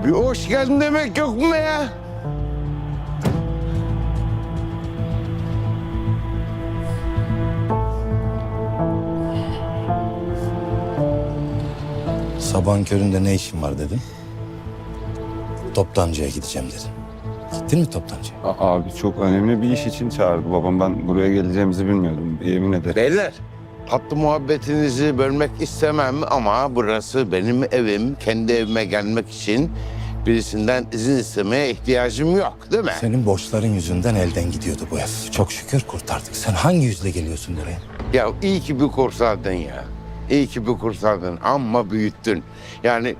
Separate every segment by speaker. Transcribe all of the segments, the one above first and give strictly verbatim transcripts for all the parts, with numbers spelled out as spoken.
Speaker 1: Bir hoş geldin demek yok mu ya?
Speaker 2: Sabahın köründe ne işin var dedim. Toptancıya gideceğim dedim. Gittin mi toptancıya?
Speaker 3: A- Abi çok önemli bir iş için çağırdı babam. Ben buraya geleceğimizi bilmiyordum. Yemin ederim.
Speaker 1: Beyler, tatlı muhabbetinizi bölmek istemem ama burası benim evim. Kendi evime gelmek için birisinden izin istemeye ihtiyacım yok, değil mi?
Speaker 2: Senin borçların yüzünden elden gidiyordu bu ev. Çok şükür kurtardık. Sen hangi yüzle geliyorsun buraya?
Speaker 1: Ya iyi ki bir kurtardın ya. İyi ki bir kurtardın ama büyüttün. Yani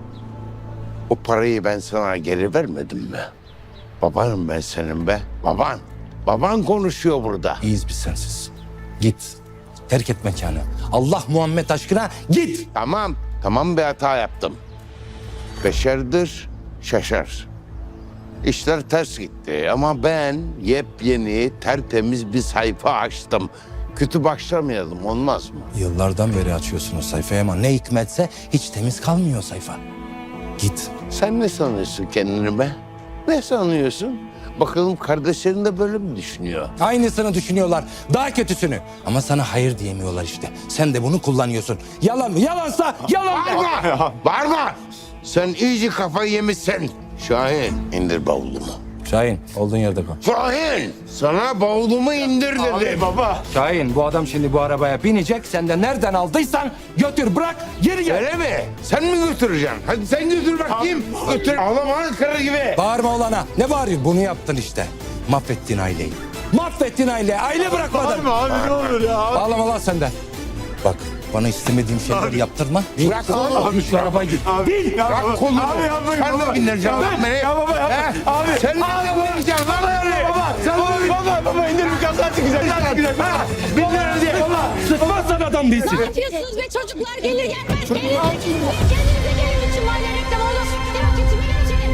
Speaker 1: o parayı ben sana geri vermedim mi? Babanım ben senin be. Baban. Baban konuşuyor burada.
Speaker 2: İyiyiz biz sensiz. Git. Terk et mekanı. Allah Muhammed aşkına git.
Speaker 1: Tamam. Tamam bir hata yaptım. Beşerdir şaşar. İşler ters gitti ama ben yepyeni tertemiz bir sayfa açtım. Kötü başlamayalım, olmaz mı?
Speaker 2: Yıllardan beri açıyorsun o sayfayı ama ne hikmetse hiç temiz kalmıyor o sayfa. Git.
Speaker 1: Sen ne sanıyorsun kendini be? Ne sanıyorsun? Bakalım kardeşlerin de böyle mi düşünüyor?
Speaker 2: Aynısını düşünüyorlar. Daha kötüsünü. Ama sana hayır diyemiyorlar işte. Sen de bunu kullanıyorsun. Yalan mı? Yalansa yalan de.
Speaker 1: Bağırma! Bağırma! Sen iyice kafayı yemişsin. Şahin, indir bavulumu.
Speaker 2: Şahin, olduğun yerde kal.
Speaker 1: Şahin! Sana bavulumu indir dedim.
Speaker 3: Baba.
Speaker 2: Şahin, bu adam şimdi bu arabaya binecek. Sen de nereden aldıysan götür, bırak, geri gel.
Speaker 1: Öyle mi? Sen mi götüreceksin? Hadi sen götür bakayım. Götür. Ağlama kırı gibi.
Speaker 2: Bağırma olana. Ne bağırıyorsun? Bunu yaptın işte. Mahvettin aileyi. Mahvettin aileyi. Aile bırakmadın.
Speaker 3: Abi ne olur ya.
Speaker 2: Ağlama lan sen de. Bak, bana istemediğim şeyleri yaptırma.
Speaker 1: Bırak kolumu.
Speaker 2: Abi şu arabayı git.
Speaker 3: Abi, ya
Speaker 1: Bırak
Speaker 3: baba.
Speaker 1: kolumu.
Speaker 3: Abi yapmayın
Speaker 1: Sen
Speaker 3: baba.
Speaker 1: de bindireceksin lan beni.
Speaker 3: Ya baba yapma.
Speaker 1: He?
Speaker 3: Abi.
Speaker 1: Sen de bindireceksin lan beni.
Speaker 3: Baba. Sen baba. Baba baba indir bir kaza çıkacak. Kaza çıkacak. Baba. Binler diye. Baba.
Speaker 2: Sıkmazsan adam değilsin.
Speaker 4: Ne yapıyorsunuz be çocuklar gelir gelmez kendinize kendinize gelin için mahalle reklamı olur. Demek ki içime geçin.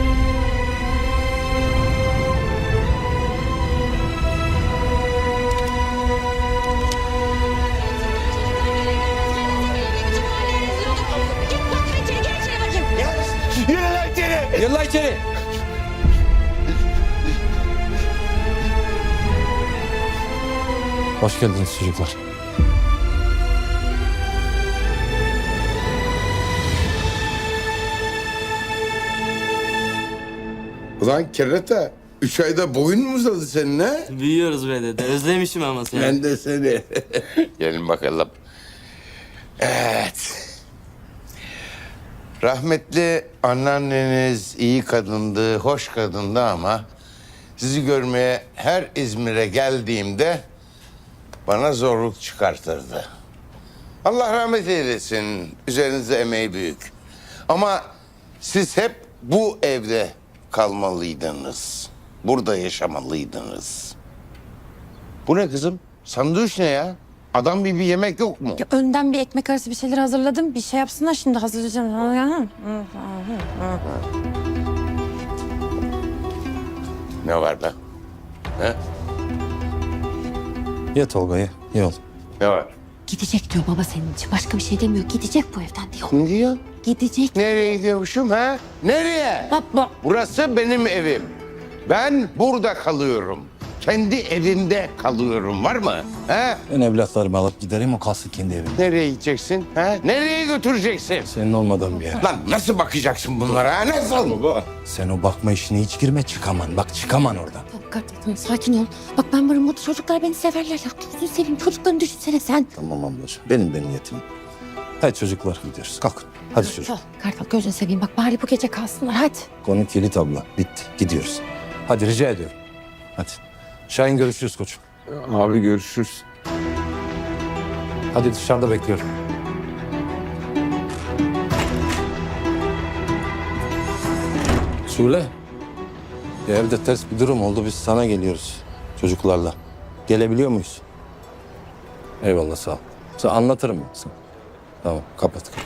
Speaker 4: Git bak içeri gel içeri bakayım.
Speaker 3: Yürü lan içeri.
Speaker 2: Yılla içeri. Hoş geldiniz çocuklar.
Speaker 1: Ulan kerata. Üç ayda boyun mu uzadı senin ha?
Speaker 5: Büyüyoruz be dede. Özlemişim ama seni.
Speaker 1: Ben de seni. Gelin bakalım. Evet. Rahmetli anneanneniz iyi kadındı, hoş kadındı ama sizi görmeye her İzmir'e geldiğimde bana zorluk çıkartırdı. Allah rahmet eylesin. Üzerinizde emeği büyük. Ama siz hep bu evde kalmalıydınız. Burada yaşamalıydınız. Bu ne kızım? Sandviç ne ya? Adam gibi bir yemek yok mu?
Speaker 6: Ya önden bir ekmek arası bir şeyler hazırladım. Bir şey yapsınlar şimdi hazırlayacağım.
Speaker 1: Ne var be? He?
Speaker 2: Ye Tolga ye. Ye oğlum.
Speaker 1: Ne var?
Speaker 4: Gidecek diyor baba senin için. Başka bir şey demiyor. Gidecek bu evden diyor.
Speaker 1: Ne diyor?
Speaker 4: Gidecek.
Speaker 1: Nereye gidiyormuşum ha? Nereye?
Speaker 6: Baba.
Speaker 1: Burası benim evim. Ben burada kalıyorum. Kendi evimde kalıyorum. Var mı? He?
Speaker 2: Ben evlatlarımı alıp giderim, o kalsın kendi evinde.
Speaker 1: Nereye gideceksin? He? Nereye götüreceksin?
Speaker 2: Senin olmadığın bir yer.
Speaker 1: Lan nasıl bakacaksın bunlara? Ha? Nasıl?
Speaker 3: Baba.
Speaker 2: Sen o bakma işine hiç girme, çıkaman. Bak çıkaman oradan.
Speaker 6: Tamam kardeşim tamam, sakin ol. Bak ben varım burada çocuklar beni severler ya. Gözünü seveyim çocuklarını düşünsene sen.
Speaker 2: Tamam ablacığım, benim de niyetim. Hadi çocuklar gidiyoruz. Kalkın. Hadi çocuk.
Speaker 6: Kartal, Kartal gözünü seveyim bak bari bu gece kalsınlar hadi.
Speaker 2: Konu kilit abla. Bitti. Gidiyoruz. Hadi rica ediyorum. Hadi. Şahin görüşürüz koçum.
Speaker 3: Abi görüşürüz.
Speaker 2: Hadi dışarıda bekliyorum. Şule. Ya evde ters bir durum oldu. Biz sana geliyoruz. Çocuklarla. Gelebiliyor muyuz? Eyvallah sağ ol. Sen anlatırım ben sana. Tamam kapat kapat.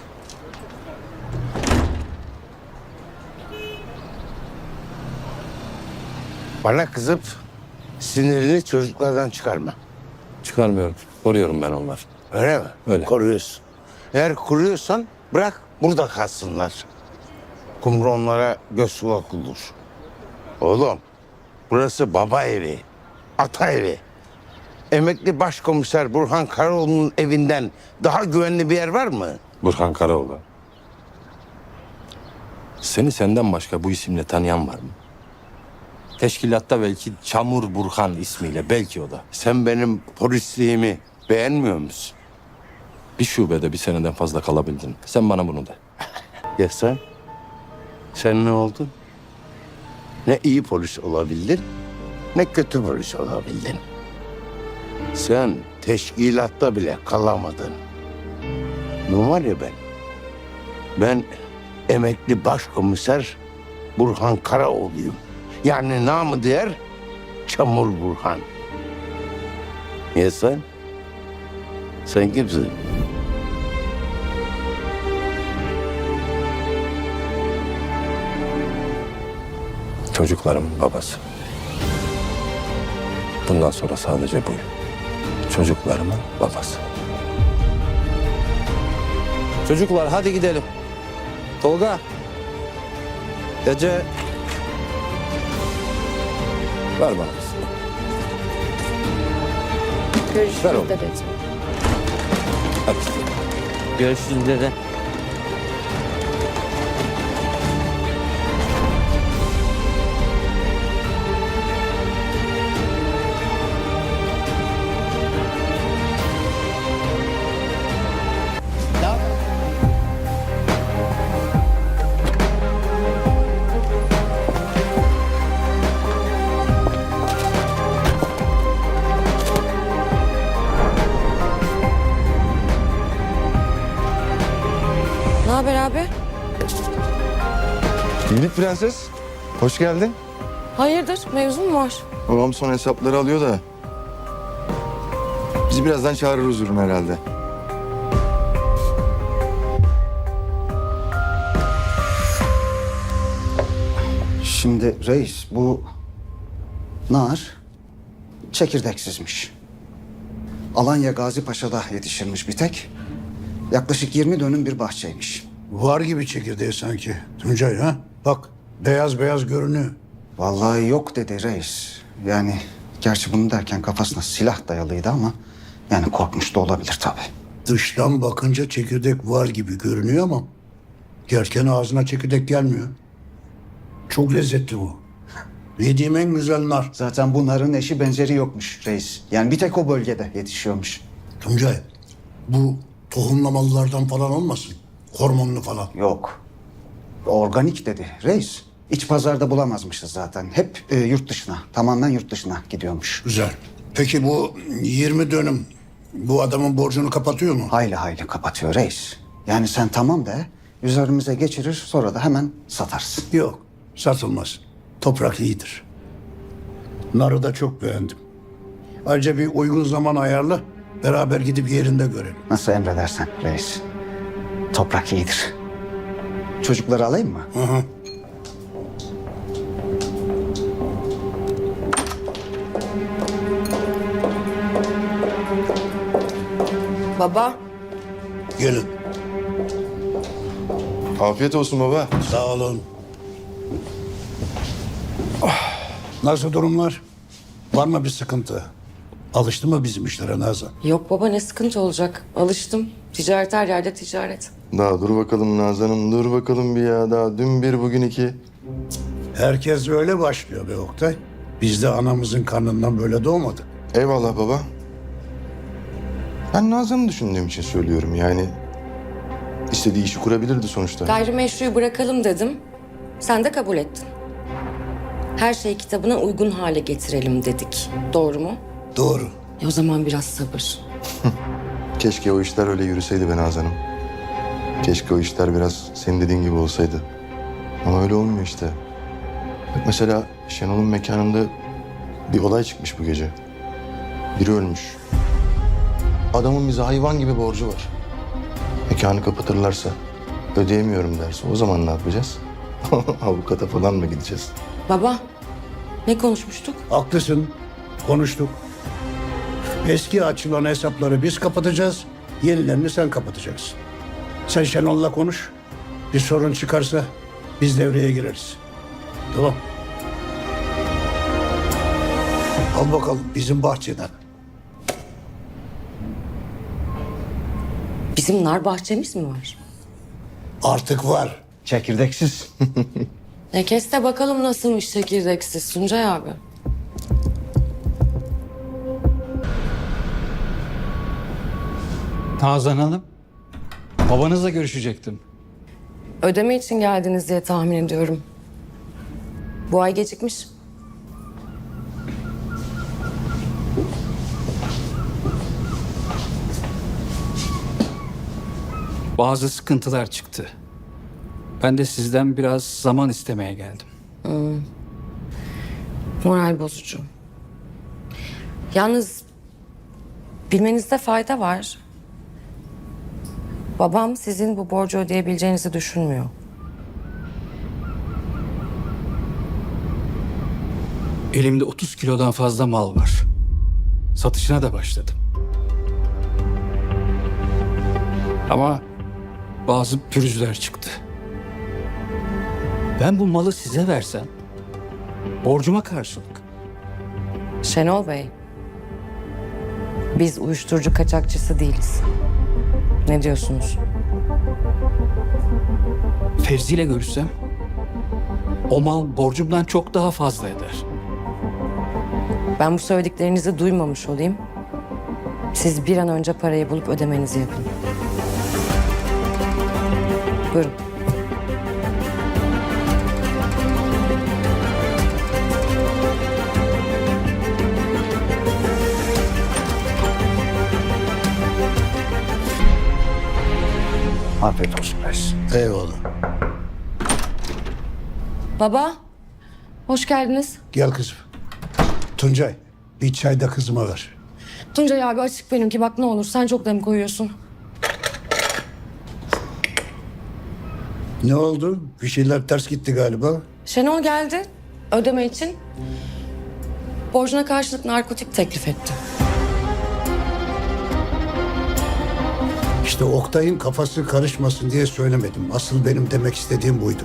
Speaker 1: Bana kızıp sinirini çocuklardan çıkarma.
Speaker 2: Çıkarmıyorum. Koruyorum ben onları.
Speaker 1: Öyle mi?
Speaker 2: Öyle.
Speaker 1: Koruyorsun. Eğer koruyorsan bırak burada kalsınlar. kumronlara göz kulak olur. Oğlum, burası baba evi, ata evi. Emekli başkomiser Burhan Karaoğlu'nun evinden daha güvenli bir yer var mı?
Speaker 2: Burhan Karaoğlu. Seni senden başka bu isimle tanıyan var mı? Teşkilatta belki Çamur Burhan ismiyle, belki o da.
Speaker 1: Sen benim polisliğimi beğenmiyor musun?
Speaker 2: Bir şubede bir seneden fazla kalabildin. Sen bana bunu de.
Speaker 1: Ya sen? Sen ne oldun? Ne iyi polis olabildin, ne kötü polis olabildin. Sen teşkilatta bile kalamadın. Ne var ya ben? Ben emekli başkomiser Burhan Karaoğlu'yum. Yani namı diğer Çamur Burhan. Ya sen? Sen kimsin?
Speaker 2: Çocuklarımın babası. Bundan sonra sadece buyum. Çocuklarımın babası. Çocuklar hadi gidelim. Tolga. Ece. Ver bana.
Speaker 6: Görüşürüz
Speaker 2: Ver oğlum.
Speaker 6: dedeciğim.
Speaker 2: Hadi.
Speaker 5: Görüşürüz dede.
Speaker 6: Ne haber abi?
Speaker 7: Yiğit Prenses, hoş geldin.
Speaker 6: Hayırdır? Mevzu mu var?
Speaker 7: Babam son hesapları alıyor da. Bizi birazdan çağırır huzuruna herhalde.
Speaker 8: Şimdi reis bu nar çekirdeksizmiş. Alanya Gazi Paşa'da yetişirmiş bir tek. Yaklaşık yirmi dönüm bir bahçeymiş.
Speaker 9: Var gibi çekirdeği sanki Tuncay ha? Bak beyaz beyaz görünüyor.
Speaker 8: Vallahi yok dedi reis. Yani gerçi bunu derken kafasına silah dayalıydı ama yani korkmuş da olabilir tabii.
Speaker 9: Dıştan bakınca çekirdek var gibi görünüyor ama yerken ağzına çekirdek gelmiyor. Çok lezzetli bu. Yediğim en güzel nar.
Speaker 8: Zaten bu narın eşi benzeri yokmuş reis. Yani bir tek o bölgede yetişiyormuş.
Speaker 9: Tuncay bu tohumlamalılardan falan olmasın? Hormonlu falan.
Speaker 8: Yok. Organik dedi reis. İç pazarda bulamazmışız zaten. Hep e, yurt dışına, tamamen yurt dışına gidiyormuş.
Speaker 9: Güzel. Peki bu yirmi dönüm bu adamın borcunu kapatıyor mu?
Speaker 8: Hayli hayli kapatıyor reis. Yani sen tamam de, üzerimize geçirir sonra da hemen satarsın.
Speaker 9: Yok, satılmaz. Toprak iyidir. Narı da çok beğendim. Ayrıca bir uygun zaman ayarla, beraber gidip yerinde görelim.
Speaker 8: Nasıl emredersen reis. Toprak iyidir. Çocukları alayım mı?
Speaker 9: Hı hı.
Speaker 6: Baba.
Speaker 9: Gelin.
Speaker 7: Afiyet olsun baba.
Speaker 9: Sağ olun. Ah, nasıl durumlar? Var mı bir sıkıntı? Alıştı mı bizim işlere Nazan?
Speaker 10: Yok baba ne sıkıntı olacak? Alıştım. Ticaret her yerde ticaret.
Speaker 7: Daha dur bakalım Nazan'ım, dur bakalım bir ya. Daha dün bir, bugün iki.
Speaker 9: Herkes öyle başlıyor be Oktay. Biz de anamızın karnından böyle doğmadık.
Speaker 7: Eyvallah baba. Ben Nazan'ı düşündüğüm için söylüyorum yani. İstediği işi kurabilirdi sonuçta.
Speaker 10: Gayrimeşruyu bırakalım dedim. Sen de kabul ettin. Her şeyi kitabına uygun hale getirelim dedik. Doğru mu?
Speaker 9: Doğru.
Speaker 10: E o zaman biraz sabır.
Speaker 7: Keşke o işler öyle yürüseydi be Nazan'ım. Keşke o işler biraz senin dediğin gibi olsaydı. Ama öyle olmuyor işte. Bak mesela Şenol'un mekanında bir olay çıkmış bu gece. Biri ölmüş. Adamın bize hayvan gibi borcu var. Mekanı kapatırlarsa, ödeyemiyorum derse o zaman ne yapacağız? Avukata falan mı gideceğiz?
Speaker 10: Baba ne konuşmuştuk?
Speaker 9: Haklısın. Konuştuk. Eski açılan hesapları biz kapatacağız. Yenilerini sen kapatacaksın. Sen Şenol'la konuş. Bir sorun çıkarsa Biz devreye gireriz. Tamam. Al bakalım bizim bahçeden.
Speaker 10: Bizim nar bahçemiz mi var?
Speaker 9: Artık var.
Speaker 8: Çekirdeksiz.
Speaker 10: E kes de bakalım nasılmış çekirdeksiz Tuncay abi.
Speaker 11: Nazan Hanım, babanızla görüşecektim.
Speaker 10: Ödeme için geldiniz diye tahmin ediyorum. Bu ay gecikmiş.
Speaker 11: Bazı sıkıntılar çıktı. Ben de sizden biraz zaman istemeye geldim.
Speaker 10: Moral bozucu. Yalnız bilmenizde fayda var. Babam sizin bu borcu ödeyebileceğinizi düşünmüyor.
Speaker 11: Elimde otuz kilodan fazla mal var. Satışına da başladım. Ama bazı pürüzler çıktı. Ben bu malı size versem, borcuma karşılık.
Speaker 10: Şenol Bey, biz uyuşturucu kaçakçısı değiliz. Ne diyorsunuz?
Speaker 11: Fevzi ile görüşsem, o mal borcumdan çok daha fazla eder.
Speaker 10: Ben bu söylediklerinizi duymamış olayım. Siz bir an önce parayı bulup ödemenizi yapın. Buyurun.
Speaker 8: Afiyet olsun reis.
Speaker 9: Eyvallah.
Speaker 10: Baba, hoş geldiniz.
Speaker 9: Gel kızım. Tuncay bir çay da kızıma ver.
Speaker 10: Tuncay abi açık benimki bak ne olur sen çok dem koyuyorsun.
Speaker 9: Ne oldu? Bir şeyler ters gitti galiba.
Speaker 10: Şenol geldi ödeme için. Borcuna karşılık narkotik teklif etti.
Speaker 9: İşte Oktay'ın kafası karışmasın diye söylemedim. Asıl benim demek istediğim buydu.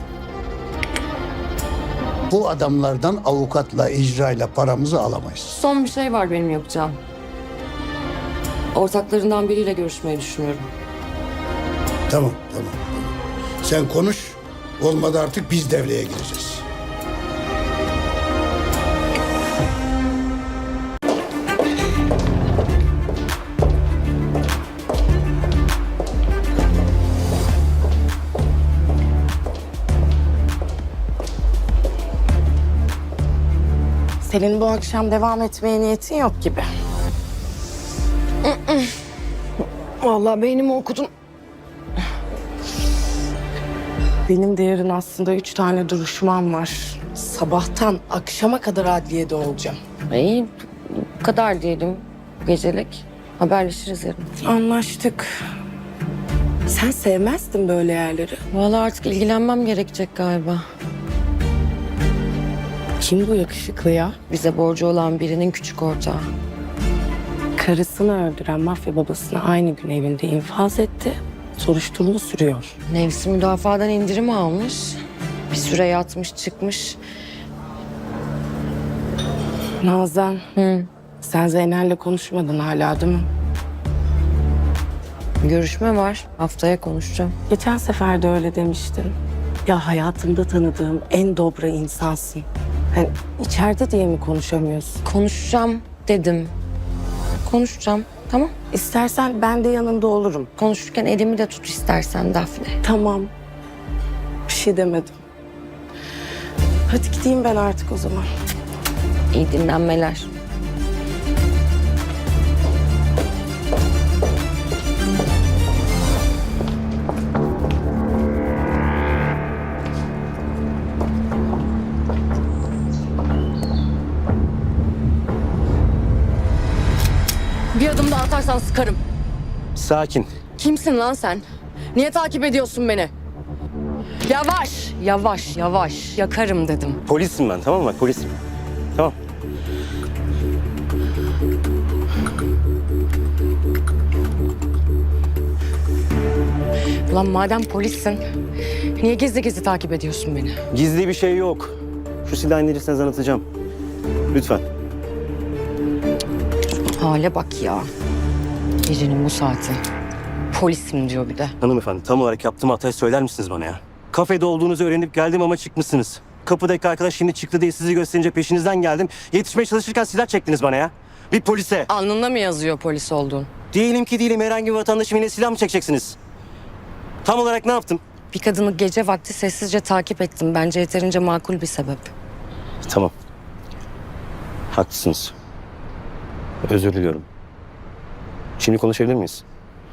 Speaker 9: Bu adamlardan avukatla, icrayla paramızı alamayız.
Speaker 10: Son bir şey var benim yapacağım. Ortaklarından biriyle görüşmeyi düşünüyorum.
Speaker 9: Tamam, tamam. Sen konuş. Olmadı artık biz devreye gireceğiz.
Speaker 12: Senin bu akşam devam etmeye niyetin yok gibi. Vallahi beynimi okudun. Benim de yarın aslında üç tane duruşmam var. Sabahtan akşama kadar adliyede olacağım.
Speaker 10: İyi bu kadar diyelim gecelik. Haberleşiriz yarın.
Speaker 12: Anlaştık. Sen sevmezdin böyle yerleri.
Speaker 10: Vallahi artık ilgilenmem gerekecek galiba.
Speaker 12: Kim bu yakışıklı ya?
Speaker 10: Bize borcu olan birinin küçük ortağı.
Speaker 12: Karısını öldüren mafya babasını aynı gün evinde infaz etti. Soruşturma sürüyor.
Speaker 10: Nefsi müdafadan indirim almış. Bir süre yatmış çıkmış.
Speaker 12: Nazan,
Speaker 10: Hı.
Speaker 12: sen Zeynel'le konuşmadın hala değil mi?
Speaker 10: Görüşme var. Haftaya konuşacağım.
Speaker 12: Geçen sefer de öyle demiştin. Ya hayatımda tanıdığım en dobra insansın. Hani içeride diye mi konuşamıyorsun?
Speaker 10: Konuşacağım dedim. Konuşacağım. Tamam.
Speaker 12: İstersen ben de yanında olurum.
Speaker 10: Konuşurken elimi de tut istersen Dafne.
Speaker 12: Tamam. Bir şey demedim. Hadi gideyim ben artık o zaman.
Speaker 10: İyi dinlenmeler. Bir adım daha atarsan sıkarım.
Speaker 5: Sakin.
Speaker 10: Kimsin lan sen? Niye takip ediyorsun beni? Yavaş, yavaş, yavaş. Yakarım dedim.
Speaker 5: Polisim ben, tamam mı? Polisim. Tamam.
Speaker 10: Ulan madem polissin, Niye gizli gizli takip ediyorsun beni?
Speaker 5: Gizli bir şey yok. Şu silahı indirirseniz anlatacağım. Lütfen.
Speaker 10: Hale bak ya. Gecenin bu saati. Polisim diyor bir de.
Speaker 5: Hanımefendi tam olarak yaptığım hatayı söyler misiniz bana ya? Kafede olduğunuzu öğrenip geldim ama çıkmışsınız. Kapıdaki arkadaş şimdi çıktı diye sizi gösterince peşinizden geldim. Yetişmeye çalışırken silah çektiniz bana ya. Bir polise.
Speaker 10: Alnında mı yazıyor polis olduğun?
Speaker 5: Diyelim ki değilim, herhangi bir vatandaşım, yine silah mı çekeceksiniz? Tam olarak ne yaptım?
Speaker 10: Bir kadını gece vakti sessizce takip ettim. Bence yeterince makul bir sebep.
Speaker 5: Tamam. Haklısınız. Özür diliyorum. Şimdi konuşabilir miyiz?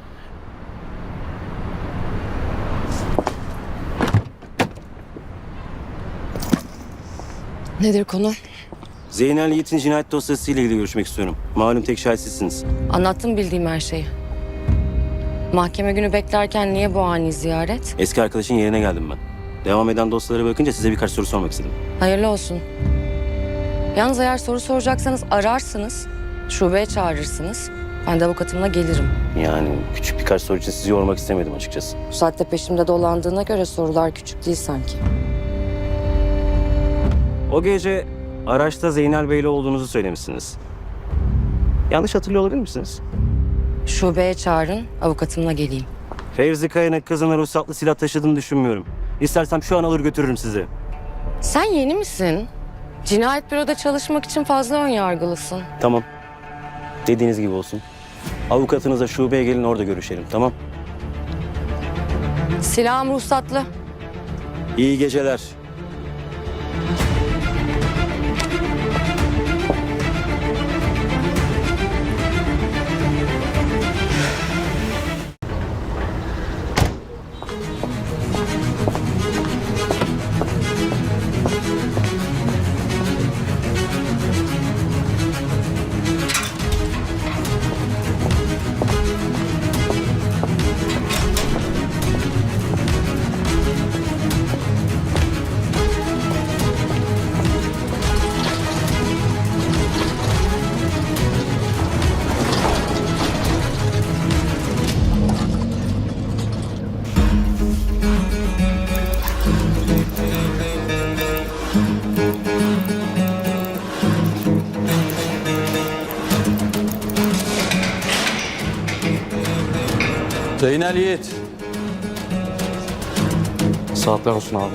Speaker 10: Nedir konu?
Speaker 5: Zeynel Yiğit'in cinayet dosyası ile ilgili görüşmek istiyorum. Malum tek şahit sizsiniz.
Speaker 10: Anlattım bildiğim her şeyi. Mahkeme günü beklerken niye bu ani ziyaret?
Speaker 5: Eski arkadaşın yerine geldim ben. Devam eden dosyalara bakınca size birkaç soru sormak istedim.
Speaker 10: Hayırlı olsun. Yalnız eğer soru soracaksanız ararsınız, şubeye çağırırsınız. Ben de avukatımla gelirim.
Speaker 5: Yani küçük birkaç soru için sizi yormak istemedim açıkçası.
Speaker 10: Bu saatte peşimde dolandığına göre sorular küçük değil sanki.
Speaker 5: O gece araçta Zeynel Bey'le olduğunuzu söylemişsiniz. Yanlış hatırlıyor olabilir misiniz?
Speaker 10: Şubeye çağırın, avukatımla geleyim.
Speaker 5: Fevzi Kaya'nın kızına ruhsatlı silah taşıdığını düşünmüyorum. İstersem şu an alır götürürüm sizi.
Speaker 10: Sen yeni misin? Cinayet büroda çalışmak için fazla ön yargılısın.
Speaker 5: Tamam. Dediğiniz gibi olsun. Avukatınıza şubeye gelin, orada görüşelim, tamam?
Speaker 10: Silahım ruhsatlı.
Speaker 5: İyi geceler.
Speaker 2: Zeynel Yiğit.
Speaker 11: Saatler olsun abi.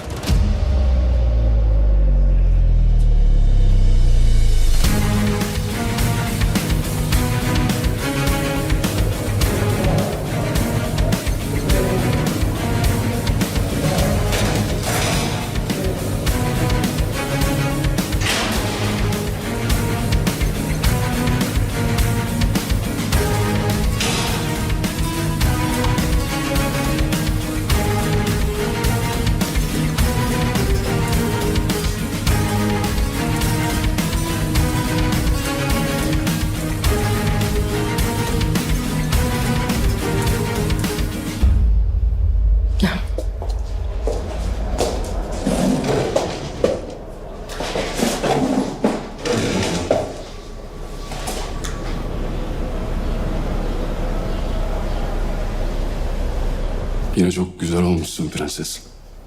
Speaker 13: Yine çok güzel olmuşsun prenses.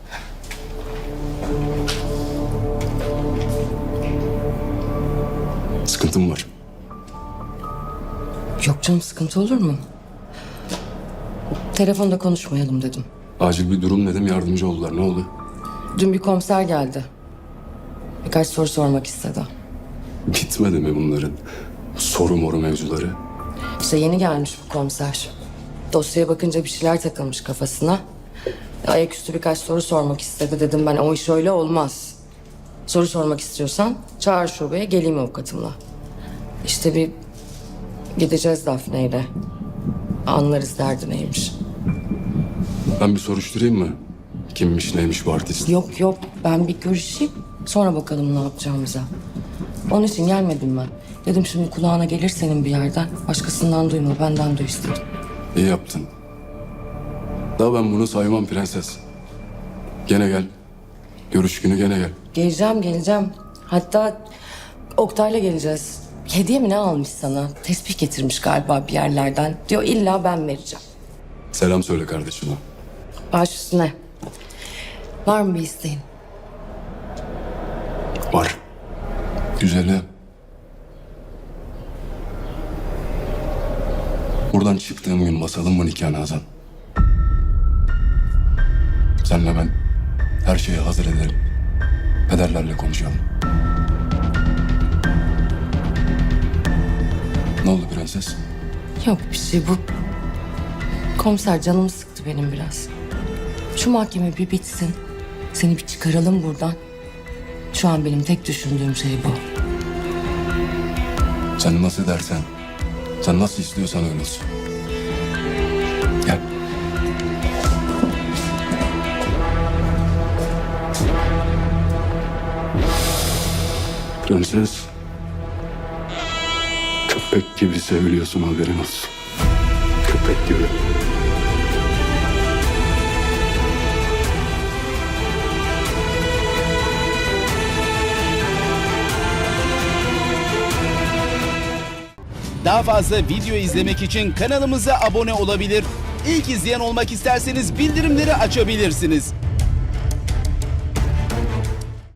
Speaker 13: Sıkıntın var.
Speaker 10: Yok canım, sıkıntı olur mu? Telefonda konuşmayalım dedim.
Speaker 13: Acil bir durum dedim, yardımcı oldular. Ne oldu?
Speaker 10: Dün bir komiser geldi. Birkaç soru sormak istedi.
Speaker 13: Bitmedi mi bunların soru moru mevzuları?
Speaker 10: İşte yeni gelmiş bu komiser. Dosyaya bakınca bir şeyler takılmış kafasına. Ayaküstü birkaç soru sormak istedi. Dedim ben o iş öyle olmaz. Soru sormak istiyorsan çağır şubeye, geleyim avukatımla. İşte bir gideceğiz Dafne'yle. Anlarız derdi neymiş.
Speaker 13: Ben bir soruşturayım mı? Kimmiş neymiş bu artist?
Speaker 10: Yok yok, ben bir görüşeyim. Sonra bakalım ne yapacağımıza. Onun için gelmedim ben. Dedim şimdi kulağına gelir senin bir yerden. Başkasından duyma, benden duy istedim.
Speaker 13: İyi yaptın. Daha ben bunu saymam prenses. Gene gel. Görüş günü gene gel.
Speaker 10: Geleceğim, geleceğim. Hatta Oktay'la geleceğiz. Hediye mi ne almış sana? Tesbih getirmiş galiba bir yerlerden. Diyor illa ben vereceğim.
Speaker 13: Selam söyle kardeşime.
Speaker 10: Baş üstüne. Var mı bir isteğin?
Speaker 13: Var. Güzeli. Buradan çıktığım gün basalım mı nikahını Hazan? Senle ben her şeyi hazır edelim. Pederlerle konuşalım. Ne oldu prenses?
Speaker 10: Yok bir şey bu. Komiser canımı sıktı benim biraz. Şu mahkeme bir bitsin. Seni bir çıkaralım buradan. Şu an benim tek düşündüğüm şey bu.
Speaker 13: Sen nasıl dersen, sen nasıl istiyorsan öyle olsun. Gel. Prenses, köpek gibi seviliyorsun, haberin olsun. Köpek gibi.
Speaker 14: Daha fazla video izlemek için kanalımıza abone olabilir. İlk izleyen olmak isterseniz bildirimleri açabilirsiniz.